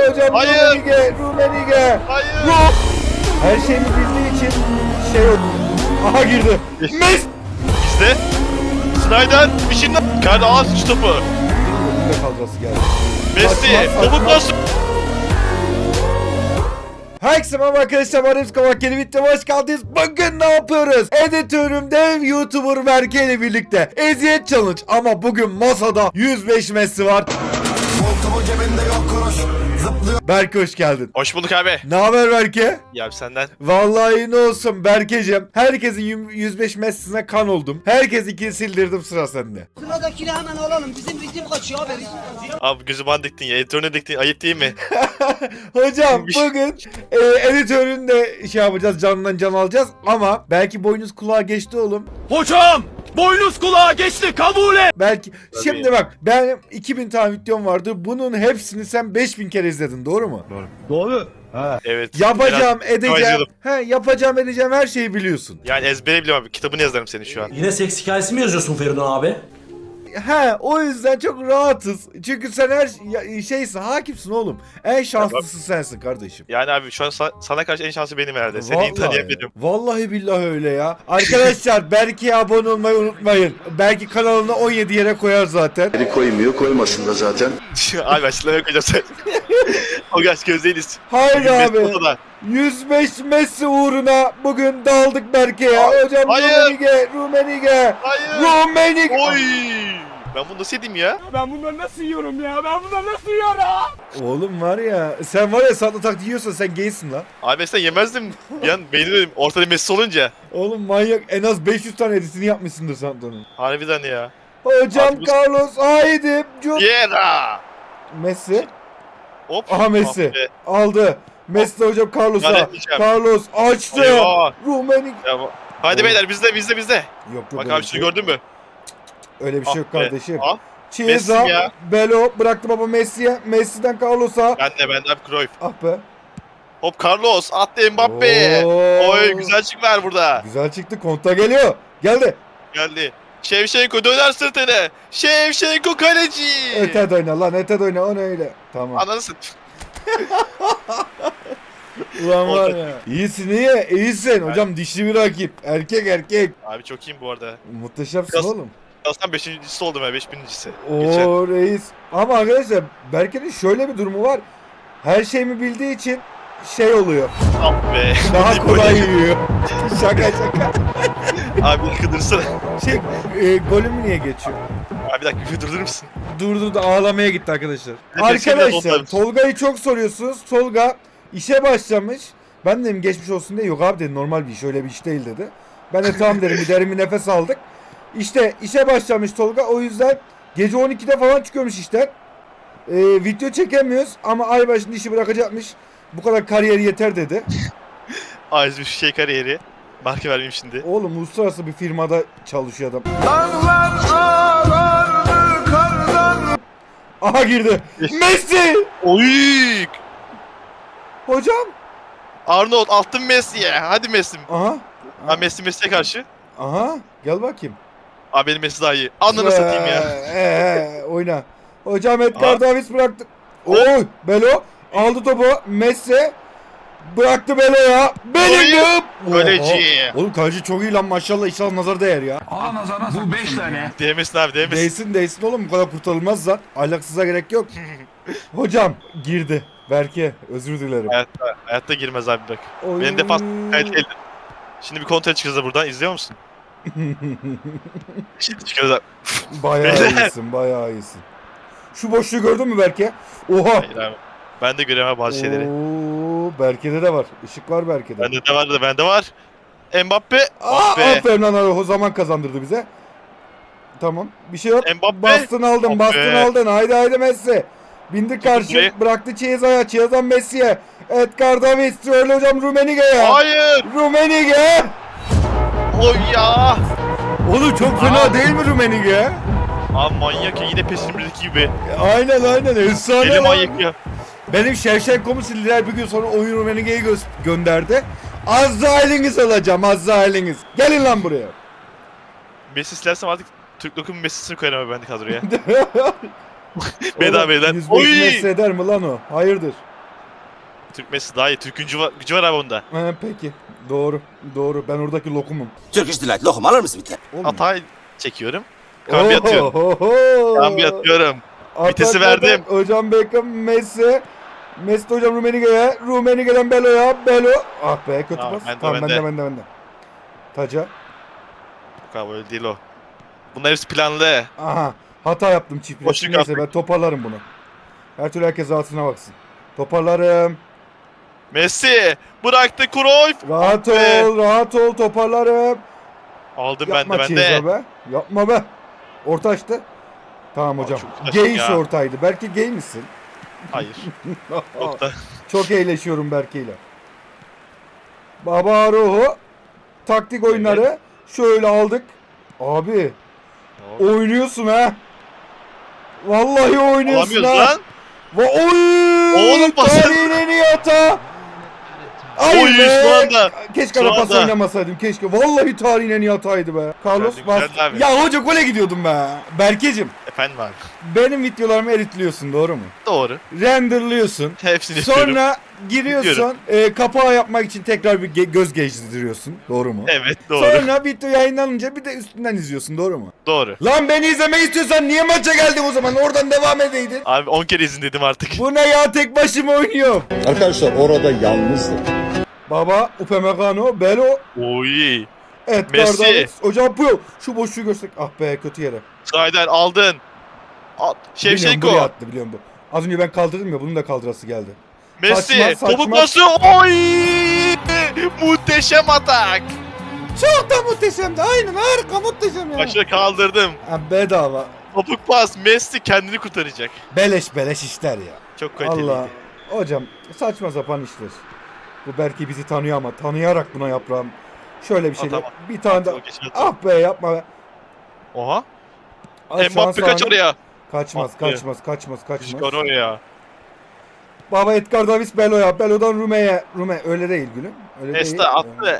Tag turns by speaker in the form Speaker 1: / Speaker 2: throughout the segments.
Speaker 1: Hocam
Speaker 2: Hayır.
Speaker 1: Rumenige.
Speaker 2: Hayır.
Speaker 1: Her şeyini bildiği için şey oldu. Aha girdi. Messi.
Speaker 2: İşte. Snyder bir şey Kaydı ağız sıç topu.
Speaker 1: Ne fazlası geldi.
Speaker 2: Messi.
Speaker 1: Saçma,
Speaker 2: Topu
Speaker 1: saçma.
Speaker 2: pas.
Speaker 1: Herkese merhaba arkadaşlar, ben Remzi Kavak, yeni videoya hoş geldiniz. Bugün ne yapıyoruz? Editörüm dev YouTuber Berke ile birlikte eziyet challenge, ama bugün masada 105 Messi var. Berke hoş geldin.
Speaker 2: Hoş bulduk abi.
Speaker 1: Ne haber Berke?
Speaker 2: Ya senden.
Speaker 1: Vallahi ne olsun Berkeciğim. Herkesin 105 Messi'sine kan oldum. Herkes ikini sildirdim, sıra sende.
Speaker 3: Sıradakini hemen alalım. Bizim ritim kaçıyor abi. Ritim kaçıyor.
Speaker 2: Abi gözü bana diktin ya. Editörüne diktin. Ayıp değil mi?
Speaker 1: Hocam bugün editörün de şey yapacağız, canından can alacağız, ama belki boynuz kulağa geçti oğlum.
Speaker 4: Hocam! Boynuz kulağa geçti, kabul et!
Speaker 1: Belki. Şimdi bak, benim 2000 tane videom vardı. Bunun hepsini sen 5000 kere izledin, doğru mu?
Speaker 4: Doğru.
Speaker 2: Evet.
Speaker 1: Yapacağım,
Speaker 2: Biraz
Speaker 1: edeceğim.
Speaker 2: izledim.
Speaker 1: Yapacağım, edeceğim, her şeyi biliyorsun.
Speaker 2: Yani ezbere biliyorum abi. Kitabını yazarım senin şu an.
Speaker 5: Yine seks hikayesi mi yazıyorsun Feridun abi?
Speaker 1: O yüzden çok rahatız. Çünkü sen her şeysin, hakimsin oğlum. En şanslısı sensin kardeşim.
Speaker 2: Yani abi şu an sana karşı en şanslı benim herhalde. Seni iyi tanıyabilirim.
Speaker 1: Vallahi billahi öyle ya. Arkadaşlar Berke'ye abone olmayı unutmayın. Belki kanalına 17 yere koyar zaten.
Speaker 6: Beni koymuyor, koymasın da zaten.
Speaker 2: Abi açıklamaya koyacağım sen. O kaç gözdeyiz.
Speaker 1: Hayır abi.
Speaker 2: Messi
Speaker 1: 105 Messi uğruna bugün daldık Berke'ye. Hocam
Speaker 2: Hayır.
Speaker 1: Rumenige.
Speaker 2: Hayır.
Speaker 1: Rumenige.
Speaker 2: Oy. Ben bunu nasıl edeyim ya?
Speaker 4: Ben bunları nasıl yiyorum ya? Ben bunları nasıl yiyorum?
Speaker 1: Oğlum var ya, sen var ya, satlı tak yiyorsan sen gaysin lan.
Speaker 2: Abi sen yemezdim. Bir an beğenirim. Ortada Messi olunca.
Speaker 1: Oğlum manyak, en az 500 tane editini yapmışsındır Santo'nun.
Speaker 2: Harbiden ya.
Speaker 1: Hocam
Speaker 2: Abi bu-
Speaker 1: Carlos haydi.
Speaker 2: Yera.
Speaker 1: Messi.
Speaker 2: Hop.
Speaker 1: Aha Messi.
Speaker 2: Ah be.
Speaker 1: Aldı. Messi de hocam Carlos'a.
Speaker 2: Zannetmeyeceğim.
Speaker 1: Carlos açtı.
Speaker 2: Eyvah.
Speaker 1: Rumenige.
Speaker 2: Ya, hadi beyler bizde.
Speaker 1: Yok
Speaker 2: Bak
Speaker 1: öyle
Speaker 2: abi
Speaker 1: bir
Speaker 2: şunu
Speaker 1: şey.
Speaker 2: gördün mü?
Speaker 1: Öyle bir şey yok
Speaker 2: Ah be.
Speaker 1: kardeşim.
Speaker 2: Ah.
Speaker 1: Chiesa,
Speaker 2: Messi ya.
Speaker 1: Belo bıraktı baba Messi'ye. Messi'den Carlos'a.
Speaker 2: Ben de abi Cruyff.
Speaker 1: Ah be.
Speaker 2: Hop Carlos attı Mbappe.
Speaker 1: Oo.
Speaker 2: Oy güzel çık ver burada.
Speaker 1: Güzel çıktı. Konta geliyor. Geldi.
Speaker 2: Geldi. Şevşenko döner sırtını. Şevşenko kaleci.
Speaker 1: Öte oyna lan, öte oyna, o ne öyle. Tamam.
Speaker 2: Ananı sat.
Speaker 1: Ulan var ya. İyisin, iyisin. Hocam dişli bir rakip. Erkek.
Speaker 2: Abi çok iyiyim bu arada.
Speaker 1: Muhteşemsin
Speaker 2: Biraz-
Speaker 1: oğlum.
Speaker 2: Aslında 5.'si oldum ya 5.'si. Geçen.
Speaker 1: Oo reis. Ama arkadaşlar Berke'nin şöyle bir durumu var. Her şeyimi bildiği için şey oluyor.
Speaker 2: Ah be.
Speaker 1: Daha kolay yiyor. şaka.
Speaker 2: Abi kıdırsana.
Speaker 1: Golümü niye geçiyor?
Speaker 2: Abi bir dakika bir durdurur musun?
Speaker 1: Durdu, ağlamaya gitti arkadaşlar.
Speaker 2: Nefesini
Speaker 1: Arkadaşlar
Speaker 2: biraz
Speaker 1: Tolga'yı çok soruyorsunuz. Tolga işe başlamış. Ben dedim geçmiş olsun diye. Yok abi dedi, normal bir iş, öyle bir iş değil dedi. Ben de tamam dedim, bir derin bir nefes aldık. İşte işe başlamış Tolga, o yüzden gece 12'de falan çıkıyormuş işten. Video çekemiyoruz ama ay başında işi bırakacakmış. Bu kadar kariyeri yeter dedi.
Speaker 2: Ayrıca bir şey kariyeri. Marka vermeyeyim şimdi.
Speaker 1: Oğlum uluslararası bir firmada çalışıyor adam. Aha girdi. Messi!
Speaker 2: Oy!
Speaker 1: Hocam.
Speaker 2: Arnold attın Messi'ye. Hadi Messi.
Speaker 1: Aha.
Speaker 2: Ha Messi'ye karşı.
Speaker 1: Aha. Gel bakayım.
Speaker 2: Abi benim Messi daha iyi. Ananı satayım ya.
Speaker 1: Oyna. Hocam Edgar
Speaker 2: Aa.
Speaker 1: Davis bıraktı. Oy, Belo aldı topu. Messi bıraktı Belo'ya. Bellingham.
Speaker 2: Kaleci.
Speaker 1: Oğlum kaleci çok iyi lan, maşallah, inşallah nazar değer ya.
Speaker 4: Aa nazara bu 5 tane.
Speaker 2: Değmesin abi değmesin.
Speaker 1: Değsin oğlum, bu kadar kurtarılmaz zaten. Ahlaksıza gerek yok. Hocam girdi. Berke özür dilerim.
Speaker 2: Hayatta girmez abi bak.
Speaker 1: Oy.
Speaker 2: Benim defans kaliteli. Şimdi bir kontrol çıkacağız da buradan. İzliyor musun? Şimdi çıkıyoruz abi.
Speaker 1: Bayağı
Speaker 2: Beyler.
Speaker 1: iyisin, bayağı iyisin. Şu boşluğu gördün mü Berke? Oha.
Speaker 2: Hayır abi. Ben de göremem bazı şeyleri.
Speaker 1: Oo, Berke'de de var. Işık var Berke'de.
Speaker 2: Bende var. Mbappe.
Speaker 1: Aa,
Speaker 2: Ah be.
Speaker 1: aferin lan, o zaman kazandırdı bize. Tamam. Bir şey yok.
Speaker 2: Mbappe.
Speaker 1: Bastın aldın,
Speaker 2: Ah
Speaker 1: bastın
Speaker 2: be.
Speaker 1: aldın. Haydi Messi. Bindi karşı.
Speaker 2: burayı.
Speaker 1: Bıraktı Chiesa'ya. Chiesa'dan Messi'ye. Edgar Davis. Öyle hocam Rumenige'ye.
Speaker 2: Hayır.
Speaker 1: Rumenige.
Speaker 2: Oy ya.
Speaker 1: Oğlum çok fena
Speaker 2: Aa.
Speaker 1: değil mi Rumenige?
Speaker 2: Abi manyak ya yine PES'in birdeki gibi.
Speaker 1: Aynen. Efsane
Speaker 2: Deli
Speaker 1: lan.
Speaker 2: manyak ya.
Speaker 1: Benim Şevşenko'mu sildiler, bir gün sonra oyun Rumenige'yi gönderdi. Az da eliniz alacağım, az da eliniz. Gelin lan buraya.
Speaker 2: Messi silersem artık Türk Lokum Messi'sini koyarım abi ben de kadroya. Bedava
Speaker 1: Oğlum,
Speaker 2: beyler.
Speaker 1: 105
Speaker 2: Oy!
Speaker 1: Messi eder mi lan o? Hayırdır?
Speaker 2: Türk Messi daha iyi. Türk gücü var abi onda.
Speaker 1: Peki. Doğru. Doğru. Ben oradaki lokumum.
Speaker 7: Turkish Delight lokum alır mısın bir tane?
Speaker 1: Olmuyor.
Speaker 2: Hatay çekiyorum. Kambi atıyorum. Kambi atıyorum. Vitesi verdim.
Speaker 1: Hocam Beckham, Messi. Messi hocam Rummenigge'ye. Rummenigge'den Belo'ya. Belo. Ah be kötü
Speaker 2: Tamam,
Speaker 1: pas.
Speaker 2: bende,
Speaker 1: Tamam
Speaker 2: bende.
Speaker 1: bende. Taca.
Speaker 2: Yok abi öyle değil o. Bunlar hepsi planlı.
Speaker 1: Aha. Hata yaptım çift pres.
Speaker 2: Boşluk
Speaker 1: Neyse
Speaker 2: attık.
Speaker 1: ben toparlarım bunu. Her türlü herkes rahatına baksın. Toparlarım.
Speaker 2: Messi bıraktı Cruyff.
Speaker 1: Rahat
Speaker 2: be.
Speaker 1: ol, rahat ol, toparlarım.
Speaker 2: Aldım
Speaker 1: Yapma
Speaker 2: ben de.
Speaker 1: Chiesa be. Yapma be. Orta açtı. Tamam hocam.
Speaker 2: çok saçma
Speaker 1: Gay
Speaker 2: ya.
Speaker 1: ortaydı. Belki gay misin?
Speaker 2: Hayır. Yok da.
Speaker 1: Çok eğleşiyorum Berke ile. Baba Roho. Taktik oyunları. Şöyle aldık. Abi oynuyorsun ha. Vallahi oynuyorsun
Speaker 2: Alamıyoruz
Speaker 1: ha.
Speaker 2: lan.
Speaker 1: Oy!
Speaker 2: Oğlum basın.
Speaker 1: Tarihin en iyi hata.
Speaker 2: Oy, şu anda.
Speaker 1: Keşke
Speaker 2: Şu
Speaker 1: ara pas
Speaker 2: anda.
Speaker 1: oynamasaydım. Keşke. Vallahi tarihin en iyi hataydı be. Carlos
Speaker 2: Güzeldi,
Speaker 1: bas.
Speaker 2: güzeldi abi.
Speaker 1: Ya hoca gole gidiyordum be. Berkecim.
Speaker 2: Efendim abi.
Speaker 1: Benim videolarımı editliyorsun doğru mu?
Speaker 2: Doğru.
Speaker 1: Renderlıyorsun.
Speaker 2: Hepsini yapıyorum.
Speaker 1: Sonra giriyorsun. Kapağı yapmak için tekrar bir göz gezdiriyorsun. Doğru mu?
Speaker 2: Evet doğru.
Speaker 1: Sonra video yayınlanınca bir de üstünden izliyorsun. Doğru mu?
Speaker 2: Doğru.
Speaker 1: Lan beni izlemek istiyorsan niye maça geldin o zaman? Oradan devam edeydin.
Speaker 2: Abi 10 kere izin dedim artık.
Speaker 1: Bu ne ya, tek başıma oynuyor.
Speaker 6: Arkadaşlar orada yalnızdım.
Speaker 1: Baba Upamecano, Belo,
Speaker 2: Oy.
Speaker 1: Edgar
Speaker 2: Messi.
Speaker 1: Davids. Hocam Puyol. Şu boşluğu görsek. Ah be kötü yere.
Speaker 2: Snyder aldın.
Speaker 1: Biliyorum
Speaker 2: Şevşenko.
Speaker 1: buraya attı biliyorum bu. Az önce ben kaldırdım ya bunun da kaldırası geldi.
Speaker 2: Messi.
Speaker 1: Saçma.
Speaker 2: Topuk pası. Oy. Muhteşem atak.
Speaker 1: Çok da muhteşemdi. Aynen harika muhteşem ya.
Speaker 2: Başına kaldırdım.
Speaker 1: Ha, bedava.
Speaker 2: Topuk pas. Messi kendini kurtaracak.
Speaker 1: Beleş işler ya.
Speaker 2: Çok kaliteliydi.
Speaker 1: Allah. Hocam saçma sapan işler. Bu belki bizi tanıyor ama tanıyarak buna yaprağım. Şöyle bir şeyler.
Speaker 2: Tamam.
Speaker 1: Bir tane daha.
Speaker 2: O geçmez.
Speaker 1: Ah be yapma be.
Speaker 2: Oha.
Speaker 1: Al
Speaker 2: Mbappe kaç
Speaker 1: şansı
Speaker 2: oraya.
Speaker 1: Kaçmaz,
Speaker 2: Attı.
Speaker 1: kaçmaz.
Speaker 2: Çıkar oraya.
Speaker 1: Baba Edgar Davis Belo'ya. Belo'dan Rume'ye. Rume öyle değil gülüm. Öyle
Speaker 2: Nesta
Speaker 1: değil.
Speaker 2: attı.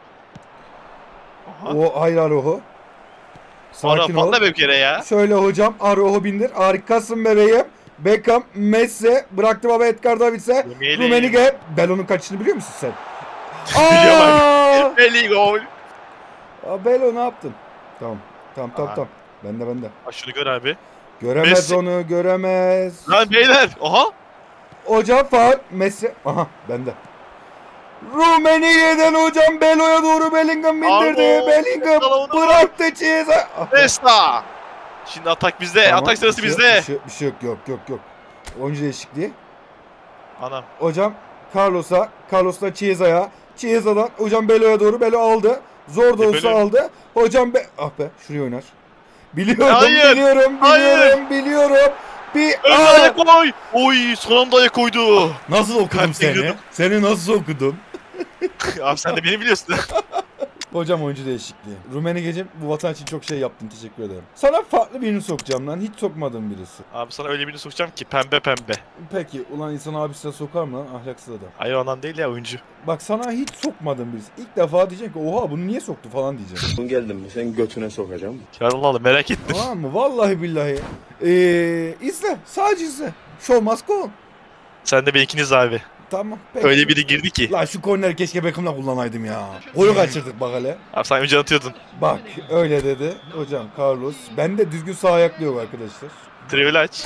Speaker 2: Aha.
Speaker 1: O hayır Aroho. Sakin ol.
Speaker 2: Patla bir kere ya.
Speaker 1: Şöyle hocam Aroho bindir. Harikasın bebeğim. Beckham, Messi. Bıraktı baba Edgar Davis'e.
Speaker 2: Rummenigge.
Speaker 1: Rummenigge. Belo'nun kaçışını biliyor musun sen?
Speaker 2: Biliyorum
Speaker 1: Aa!
Speaker 2: Belli gol.
Speaker 1: Aa, Belo ne yaptın? Tamam.
Speaker 2: Aha.
Speaker 1: Bende.
Speaker 2: Bak şunu gör abi.
Speaker 1: Göremez
Speaker 2: Messi.
Speaker 1: onu, göremez.
Speaker 2: Lan beyler. Oha.
Speaker 1: Hocam faul. Messi. Aha bende. Rummenigge'den hocam Belo'ya doğru Bellingham bindirdi.
Speaker 2: Abo.
Speaker 1: Bellingham
Speaker 2: Salonu.
Speaker 1: bıraktı Chiesa. Ah be.
Speaker 2: Nesta. Şimdi atak bizde.
Speaker 1: Tamam,
Speaker 2: Atak sırası
Speaker 1: bir şey
Speaker 2: bizde.
Speaker 1: yok, bir şey yok. Yok. Oyuncu değişikliği.
Speaker 2: Anam.
Speaker 1: Hocam Carlos'la Chiesa'ya. Chiesa'dan hocam Belo'ya doğru. Belo aldı. Zor da olsa
Speaker 2: Belo.
Speaker 1: aldı. Hocam ah be şuraya oynar. Biliyorum.
Speaker 2: Hayır,
Speaker 1: Biliyorum. Bir
Speaker 2: Önüne ayak koy. Oy son anda ayak koydu.
Speaker 1: Nasıl okudum
Speaker 2: Kalp
Speaker 1: seni?
Speaker 2: giriyordum.
Speaker 1: Seni nasıl okudum?
Speaker 2: Abi sen de beni biliyorsun.
Speaker 1: Hocam oyuncu değişikliği. Rummenigge'cim bu vatan için çok şey yaptın, teşekkür ederim. Sana farklı birini sokacağım lan. Hiç sokmadığım birisi.
Speaker 2: Abi sana öyle birini sokacağım ki pembe pembe.
Speaker 1: Peki ulan insan abisine sokar mı lan ahlaksız adam?
Speaker 2: Hayır ondan değil ya oyuncu.
Speaker 1: Bak sana hiç sokmadığım birisi. İlk defa diyeceksin ki oha bunu niye soktu falan diyeceksin.
Speaker 6: Geldim mi sen götüne sokacağım.
Speaker 2: Ya Allah Allah merak ettim.
Speaker 1: Tamam mı? Vallahi billahi. İzle. Sadece izle. Show must go on.
Speaker 2: Sen de benimkiniz abi.
Speaker 1: Tamam. Peki.
Speaker 2: Öyle biri girdi ki.
Speaker 1: La şu korneri keşke Beckham'la kullanaydım ya. Golü kaçırdık bak hele.
Speaker 2: Abi sen önce atıyordun.
Speaker 1: Bak öyle dedi. Hocam Carlos. Ben de düzgün sağ ayak yok arkadaşlar.
Speaker 2: Trivel aç.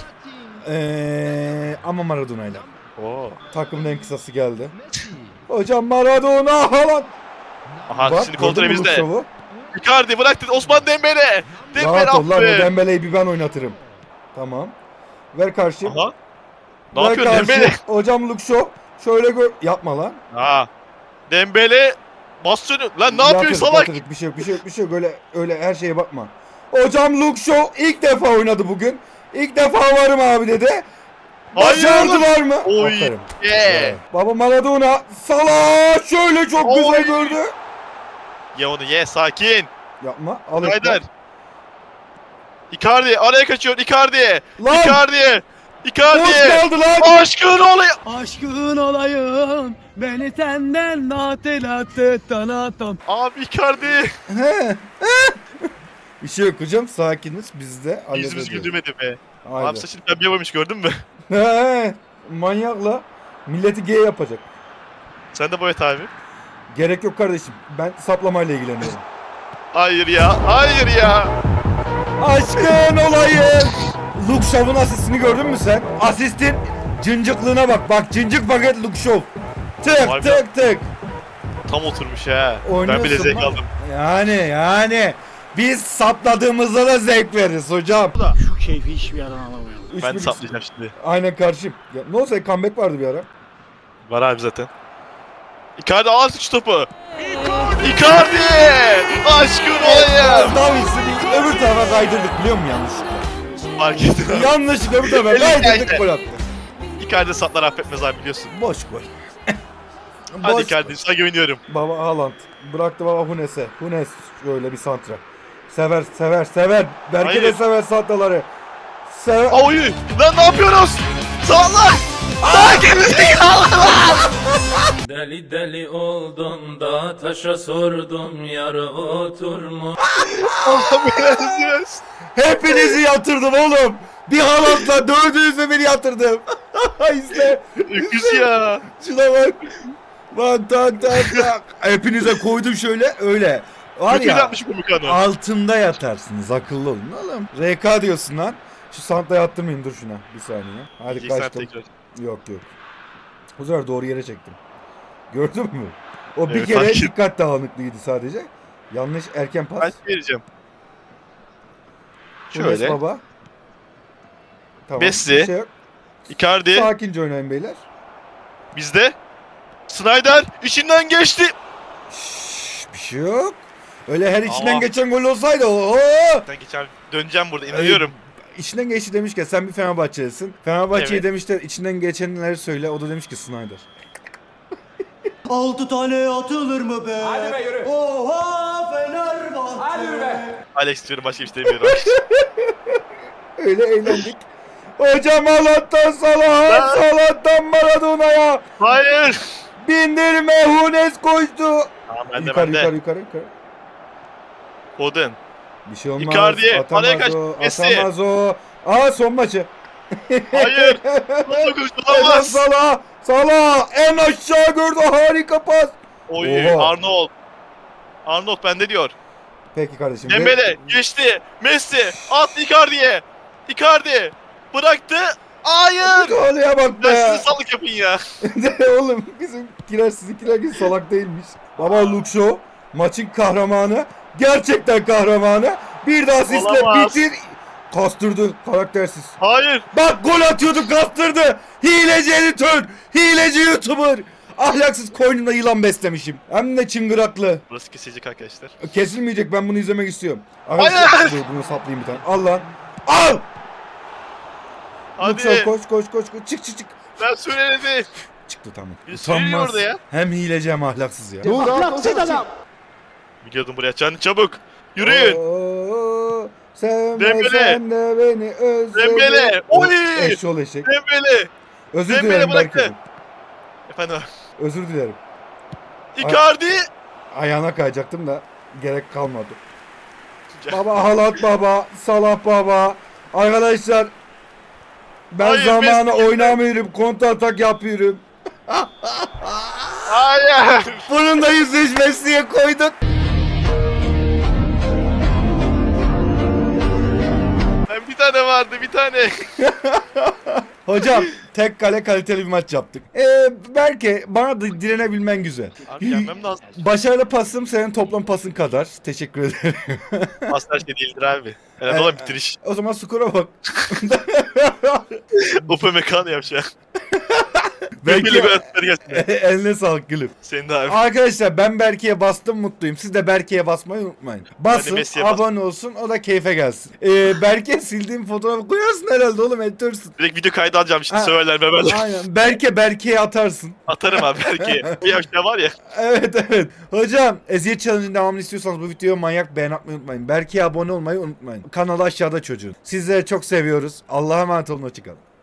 Speaker 1: Ama Maradona'yla.
Speaker 2: Oo.
Speaker 1: Takımın en kısası geldi. Hocam Maradona Haaland.
Speaker 2: Aha
Speaker 1: Bak,
Speaker 2: şimdi kontrol
Speaker 1: gördün mü bu
Speaker 2: bizde.
Speaker 1: şovu?
Speaker 2: Icardi bıraktı Osman Dembele. Dembele
Speaker 1: Rahat ol lan o
Speaker 2: attı.
Speaker 1: Dembele'yi bir ben oynatırım. Tamam. Ver karşı.
Speaker 2: Aha. Ne
Speaker 1: Ver
Speaker 2: yapıyorsun
Speaker 1: karşı.
Speaker 2: Dembele?
Speaker 1: Hocam Luke Shaw. Şöyle gör. Yapma lan.
Speaker 2: Ha. Dembele basını. Lan ne yapıyorsun salak?
Speaker 1: Yatırdık. Bir şey yok. Öyle her şeye bakma. Hocam Luke Shaw ilk defa oynadı bugün. İlk defa varım abi dedi.
Speaker 2: Hayır.
Speaker 1: Başardılar mı?
Speaker 2: Oy.
Speaker 1: Aferin.
Speaker 2: Yeah.
Speaker 1: Evet. Baba Maradona. Salah şöyle çok
Speaker 2: Oy.
Speaker 1: güzel gördü.
Speaker 2: Ye onu ye sakin.
Speaker 1: Yapma. Al
Speaker 2: Haydar. Icardi araya kaçıyor Icardi.
Speaker 1: Lan.
Speaker 2: Icardi.
Speaker 1: Boş
Speaker 2: Icardi.
Speaker 1: kaldı lan.
Speaker 2: Aşkın olayım.
Speaker 4: Aşkın olayım. Beni senden hatırlattı.
Speaker 2: Abi Icardi.
Speaker 1: He. Bir şey yok hocam. Sakiniz. Biz de
Speaker 2: Yüzümüz
Speaker 1: halledeceğiz.
Speaker 2: güldürmedi be.
Speaker 1: Haydi.
Speaker 2: Abi saçını pembe yapmış gördün mü?
Speaker 1: He. Manyakla. Milleti G yapacak.
Speaker 2: Sen de boyat abi.
Speaker 1: Gerek yok kardeşim. Ben saplamayla ilgileniyorum.
Speaker 2: Hayır ya. Hayır ya.
Speaker 1: Aşkın olayım. Luke Shaw'un asistini gördün mü sen? Asistin cıncıklığına bak. Bak cıncık paket Luke Shaw. Tık
Speaker 2: Vay be.
Speaker 1: tık tık.
Speaker 2: Tam oturmuş ha.
Speaker 1: Oynuyorsun
Speaker 2: Ben bile zevk
Speaker 1: lan.
Speaker 2: aldım.
Speaker 1: Yani. Biz sapladığımızda da zevk veririz hocam.
Speaker 4: Şu keyfi hiçbir yerden alamıyorum.
Speaker 1: Üç
Speaker 2: Ben
Speaker 1: bir-
Speaker 2: saplayacağım şimdi.
Speaker 1: Aynen karşıyım. Ya, ne olsa comeback vardı bir ara.
Speaker 2: Var abi zaten. Icardi al şu topu. Icardi! Aşkın olayım.
Speaker 1: Davids'i öbür tarafa kaydırdık biliyor musun yanlışlıkla?
Speaker 2: Fark ettim.
Speaker 1: Yanlışlıkla öbür tarafa
Speaker 2: Elli
Speaker 1: kaydırdık
Speaker 2: geldi.
Speaker 1: gol attı.
Speaker 2: Icardi satlar affetmez abi biliyorsun.
Speaker 1: Boş gol.
Speaker 2: Hadi
Speaker 1: Boş
Speaker 2: Icardi sana güveniyorum.
Speaker 1: Baba Haaland. Bıraktı baba Hunes'e. Hunes şöyle bir santra. Sever. Belki de
Speaker 2: Hayır.
Speaker 1: sever santraları. Sever.
Speaker 2: Oy! Lan ne yapıyoruz? Sağlar! Daha gerizekalı!
Speaker 8: Deli deli oldum da taşa sordum yar oturmuş.
Speaker 2: Allah belanı versin.
Speaker 1: Hepinizi yatırdım oğlum. Bir Haaland'la dördünüzü beni yatırdım. İzle.
Speaker 2: Öküz ya.
Speaker 1: Şuna bak. Bak tak. Hepinize koydum şöyle öyle. Var
Speaker 2: Kötü
Speaker 1: ya.
Speaker 2: yapmış bu Mükano.
Speaker 1: Altında yatarsınız akıllı olun oğlum. RK diyorsun lan. Şu santayı attırmayın dur şuna. Bir saniye. Hadi
Speaker 2: İlk sen
Speaker 1: kaçtım.
Speaker 2: tekrar.
Speaker 1: Yok. Bu sefer doğru yere çektim. Gördün mü? O bir
Speaker 2: Evet,
Speaker 1: kere
Speaker 2: fark ettim.
Speaker 1: dikkat dağınıklığıydı sadece. Yanlış erken pas.
Speaker 2: Ben vereceğim.
Speaker 1: Hunes
Speaker 2: Şöyle.
Speaker 1: baba. Tamam.
Speaker 2: Messi.
Speaker 1: bir şey yok.
Speaker 2: Icardi.
Speaker 1: Sakince oynayın beyler.
Speaker 2: Bizde. Snyder içinden geçti.
Speaker 1: Şşş, bir şey yok. Öyle her içinden
Speaker 2: Ama-
Speaker 1: geçen gol olsaydı ooo.
Speaker 2: Ben geçen döneceğim burada inanıyorum.
Speaker 1: İçinden geçti demişken sen bir Fenerbahçelisin. Fenerbahçe'yi
Speaker 2: Evet.
Speaker 1: demişler içinden geçenleri söyle. O da demiş ki Snyder.
Speaker 3: 6 tane atılır mı be? Hadi be yürü. Oha Fenerbahçe. Hadi yürü be.
Speaker 2: Alex diyorum başka bir şey demiyorum.
Speaker 1: Öyle eğlendik. Hocam Allah'tan Salah, Salah'tan Maradona'ya
Speaker 2: Hayır.
Speaker 1: bindirme Hunes koştu.
Speaker 2: Tamam bende
Speaker 1: Yukarı.
Speaker 2: Foden.
Speaker 1: Bir şey olmaz.
Speaker 2: Icardi,
Speaker 1: Atamaz
Speaker 2: araya kaç,
Speaker 1: o,
Speaker 2: Messi.
Speaker 1: atamaz o. Aa son maçı.
Speaker 2: Hayır. Nasıl kurtulamaz?
Speaker 1: Salah en aşağı gördü harika pas.
Speaker 2: Oy
Speaker 1: Oha.
Speaker 2: Arnold. Arnold bende diyor.
Speaker 1: Peki kardeşim.
Speaker 2: Dembele geçti. Messi attı Icardi'ye. Icardi bıraktı. Hayır.
Speaker 1: Golüye bak
Speaker 2: Ben
Speaker 1: be.
Speaker 2: sizi sallık yapın ya.
Speaker 1: Oğlum sizinkiler gibi salak değilmiş. Baba Luke Shaw maçın kahramanı. Gerçekten kahramanı. Bir de asistle
Speaker 2: Olamaz.
Speaker 1: bitir. Kastırdı karaktersiz.
Speaker 2: Hayır.
Speaker 1: Bak gol atıyordu kastırdı. Hileci editör. Hileci YouTuber. Ahlaksız koynumda yılan beslemişim. Hem de çıngıraklı.
Speaker 2: Burası kesecek arkadaşlar.
Speaker 1: Kesilmeyecek ben bunu izlemek istiyorum.
Speaker 2: Hayır.
Speaker 1: Dur bunu saplayayım bir tane. Al lan. Al. Luke Shaw
Speaker 2: Hadi.
Speaker 1: koş. Çık.
Speaker 2: Ben söyledim.
Speaker 1: Çıktı tamam.
Speaker 2: Bir söylüyor orada ya.
Speaker 1: Hem hileci hem ahlaksız ya.
Speaker 3: Ahlaksız adam.
Speaker 2: Biliyordum buraya. Can çabuk. Yürüyün.
Speaker 1: Oo, sevme
Speaker 2: Dembele.
Speaker 1: sen de beni özledin.
Speaker 2: Dembele. Oy.
Speaker 1: Eşşoğlu eşek.
Speaker 2: Dembele.
Speaker 1: Özür
Speaker 2: Dembele
Speaker 1: dilerim
Speaker 2: bıraktı.
Speaker 1: Berke'cim.
Speaker 2: Efendim.
Speaker 1: Özür dilerim.
Speaker 2: Icardi.
Speaker 1: Ayağına kayacaktım da gerek kalmadı.
Speaker 2: Gel.
Speaker 1: Baba Haaland baba, Salah baba. Arkadaşlar ben
Speaker 2: Hayır,
Speaker 1: zamanı
Speaker 2: Messi.
Speaker 1: oynamıyorum. Kontra atak yapıyorum.
Speaker 2: Hayır.
Speaker 1: Bunun da yüzleşmesiye koyduk.
Speaker 2: Ben bir tane vardı bir tane.
Speaker 1: Hocam tek kale kaliteli bir maç yaptık. Belki bana da direnebilmen güzel.
Speaker 2: Abi gelmem lazım.
Speaker 1: Başarılı pasım senin toplam pasın kadar. Teşekkür ederim.
Speaker 2: Asla şey değildir abi. Herhalde olan bitiriş.
Speaker 1: O zaman skora bak.
Speaker 2: Upamecano yapacak.
Speaker 1: Belki
Speaker 2: Belki gol atları gelsin.
Speaker 1: eline sağlık gülüm.
Speaker 2: Senin de abi.
Speaker 1: Arkadaşlar ben Berke'ye bastım mutluyum. Siz de Berke'ye basmayı unutmayın. Basın,
Speaker 2: Messi'ye bas.
Speaker 1: abone olsun, o da keyfe gelsin. Berke sildiğim fotoğrafı koyarsın herhalde oğlum, editorsün.
Speaker 2: Direkt video kaydı alacağım şimdi
Speaker 1: Ha.
Speaker 2: söverler beberler.
Speaker 1: Aynen. Berke'ye atarsın.
Speaker 2: Atarım abi belki. Bir yaşta var ya.
Speaker 1: Evet. Hocam eziyet challenge'ın devamını istiyorsanız bu videoya manyak beğen atmayı unutmayın. Berke'ye abone olmayı unutmayın. Kanalı aşağıda çocuğun. Sizleri çok seviyoruz. Allah'a emanet olun. Hoşçakalın.